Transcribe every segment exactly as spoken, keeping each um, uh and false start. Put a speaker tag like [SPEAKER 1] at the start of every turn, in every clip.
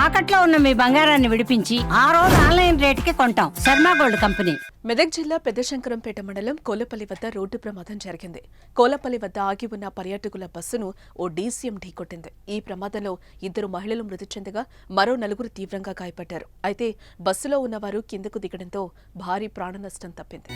[SPEAKER 1] తాకట్లో ఉన్న మీ బంగారాన్ని విడిపించి ఆ రోజు ఆన్లైన్ రేటుకి కొంటాం. Sharma gold company.
[SPEAKER 2] మెదక్ జిల్లా పెద్దశంకరంపేట మండలం కోలపల్లి వద్ద రోడ్డు ప్రమాదం జరిగింది. కోలపల్లి వద్ద ఆగి ఉన్న పర్యాటకుల బస్సును ఓ డీసీఎం ఢీకొట్టింది. ఈ ప్రమాదంలో ఇద్దరు మహిళలు మృతి చెందగా మరో నలుగురు తీవ్రంగా గాయపడ్డారు. అయితే బస్సులో ఉన్నవారు కిందకు దిగడంతో భారీ ప్రాణ నష్టం తప్పింది.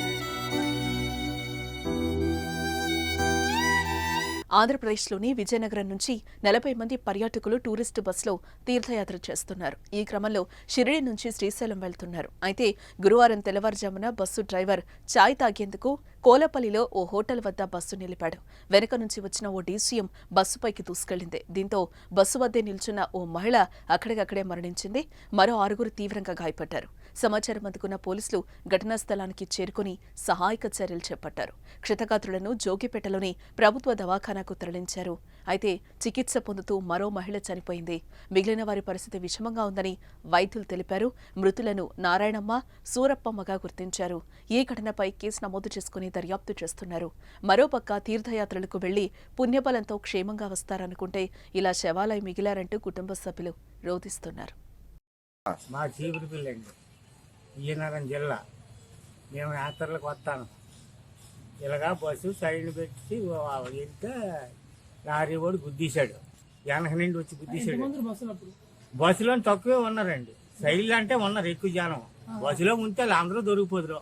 [SPEAKER 2] ఆంధ్రప్రదేశ్లోని విజయనగరం నుంచి నలభై మంది పర్యాటకులు టూరిస్టు బస్సులో తీర్థయాత్ర చేస్తున్నారు. ఈ క్రమంలో షిరిడి నుంచి శ్రీశైలం వెళ్తున్నారు. అయితే గురువారం తెల్లవారుజామున బస్సు డ్రైవర్ చాయ్ తాగేందుకు కోలపల్లిలో ఓ హోటల్ వద్ద బస్సు నిలిపాడు. వెనక నుంచి వచ్చిన ఓ డీసీఎం బస్సుపైకి దూసుకెళ్లింది. దీంతో బస్సు వద్దే నిల్చున్న ఓ మహిళ అక్కడికక్కడే మరణించింది. మరో ఆరుగురు తీవ్రంగా గాయపడ్డారు. సమాచారం అందుకున్న పోలీసులు ఘటనా స్థలానికి చేరుకుని సహాయక చర్యలు చేపట్టారు. క్షతగాత్రులను జోగిపేటలోని ప్రభుత్వ దవాఖానాకు తరలించారు. అయితే చికిత్స పొందుతూ మరో మహిళ చనిపోయింది. మిగిలిన వారి పరిస్థితి విషమంగా ఉందని వైద్యులు తెలిపారు. మృతులను నారాయణమ్మ, సూరప్పమ్మగా గుర్తించారు. ఈ ఘటనపై కేసు నమోదు చేసుకుని దర్యాప్తు చేస్తున్నారు. మరోపక్క తీర్థయాత్రలకు వెళ్లి పుణ్యబలంతో క్షేమంగా వస్తారనుకుంటే ఇలా శవాలై మిగిలారంటూ కుటుంబ సభ్యులు రోధిస్తున్నారు.
[SPEAKER 3] మా చీపురు పిల్లండి విజయనగరం జిల్లా. మేము యాత్రలకు వస్తాను. ఇలాగా బస్సు సైడ్ పెట్టి వెళ్తే లారీ వాడు గుద్దీశాడు. వెనక నుండి వచ్చి గుద్దీశాడు. బస్సులో తక్కువే ఉన్నారండి. సైడ్ అంటే ఉన్నారు ఎక్కువ జనం. బస్సులో ఉంటే అందరూ దొరికిపోదురు.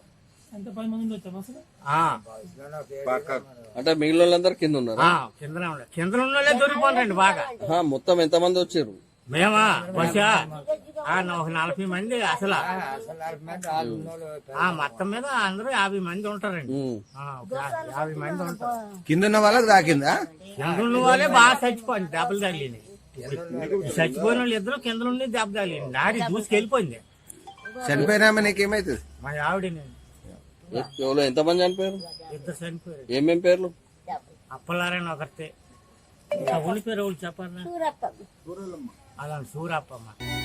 [SPEAKER 4] అంటే మిగిలిన వాళ్ళందరూ కింద ఉన్నారు.
[SPEAKER 3] కింద కింద ఉన్న వాళ్ళే దొరికిపోతారండి బాగా.
[SPEAKER 4] మొత్తం ఎంత మంది వచ్చారు?
[SPEAKER 3] మేమా బస్సా ఒక నలభై మంది అసలు మొత్తం మీద అందరూ యాభై మంది ఉంటారండి. యాభై మంది ఉంటారు.
[SPEAKER 5] కింద ఉన్న వాళ్ళకి తాకిందా?
[SPEAKER 3] కింద ఉన్న వాళ్ళే బాగా చచ్చిపోయింది. దెబ్బలు తగిలింది. చచ్చిపోయిన వాళ్ళు ఇద్దరు కింద నుండి దెబ్బ తగిలింది. నాడి దూసుకెళ్ళిపోయింది.
[SPEAKER 5] చనిపోయినా నీకేమైతుంది?
[SPEAKER 3] మా ఆవిడ
[SPEAKER 4] ఎంత మంది చనిపోయారు?
[SPEAKER 3] ఇద్దరు చనిపోయారు.
[SPEAKER 4] ఏమేం పేర్లు?
[SPEAKER 3] అప్పలారని ఒకరితే. ఊరి పేరు వాళ్ళు చెప్పాలి. అలా సూరప్పమ్మ.